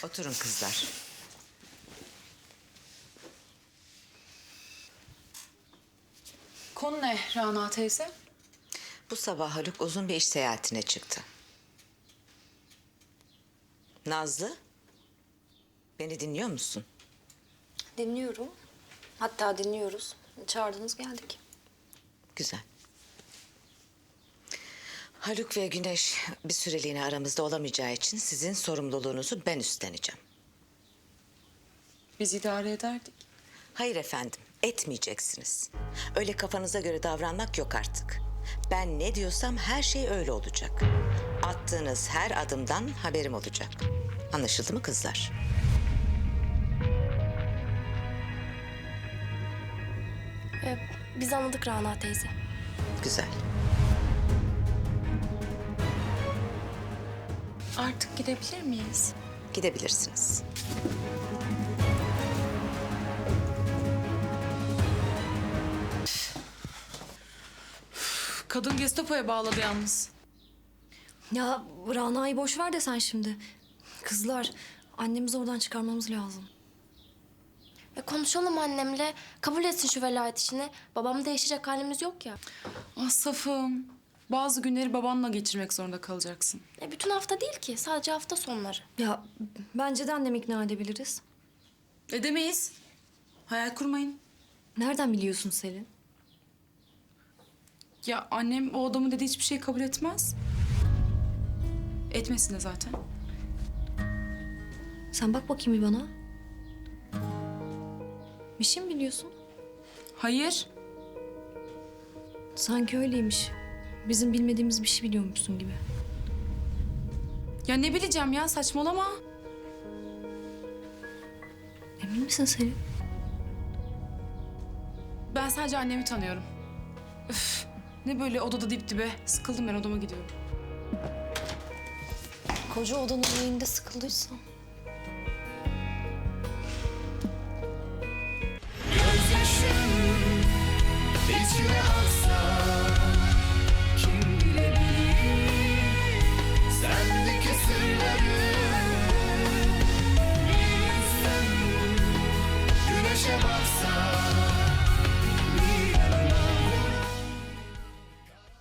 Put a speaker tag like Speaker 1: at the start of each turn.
Speaker 1: Oturun kızlar.
Speaker 2: Konu ne Rana teyze?
Speaker 1: Bu sabah Haluk uzun bir iş seyahatine çıktı. Nazlı, beni dinliyor musun?
Speaker 3: Dinliyorum. Hatta dinliyoruz. Çağırdınız geldik.
Speaker 1: Güzel. Haluk ve Güneş bir süreliğine aramızda olamayacağı için sizin sorumluluğunuzu ben üstleneceğim.
Speaker 2: Biz idare ederdik.
Speaker 1: Hayır efendim, etmeyeceksiniz. Öyle kafanıza göre davranmak yok artık. Ben ne diyorsam her şey öyle olacak. Attığınız her adımdan haberim olacak. Anlaşıldı mı kızlar?
Speaker 3: Biz anladık Rana teyze.
Speaker 1: Güzel.
Speaker 2: Artık gidebilir miyiz?
Speaker 1: Gidebilirsiniz.
Speaker 2: Kadın Gestapo'ya bağladı yalnız.
Speaker 3: Ya Rana'yı boş ver de sen şimdi. Kızlar, annemizi oradan çıkarmamız lazım.
Speaker 4: Konuşalım annemle. Kabul etsin şu velayet işini. Babam değişecek halimiz yok ya.
Speaker 2: Ah safım. Bazı günleri babanla geçirmek zorunda kalacaksın.
Speaker 4: Bütün hafta değil ki. Sadece hafta sonları.
Speaker 3: Ya bence de annemi ikna edebiliriz.
Speaker 2: Edemeyiz. Hayal kurmayın.
Speaker 3: Nereden biliyorsun Selin?
Speaker 2: Ya annem o adamın dediği hiçbir şey kabul etmez. Etmesin de zaten.
Speaker 3: Sen bak bakayım bir bana. Bir şey mi biliyorsun?
Speaker 2: Hayır.
Speaker 3: Sanki öyleymiş. Bizim bilmediğimiz bir şey biliyormuşsun gibi.
Speaker 2: Ya ne bileceğim ya, saçmalama.
Speaker 3: Emin misin Selin?
Speaker 2: Ben sadece annemi tanıyorum. Üf, ne böyle odada dip dibe. Sıkıldım, ben odama gidiyorum.
Speaker 3: Koca odanın önünde sıkıldıysan.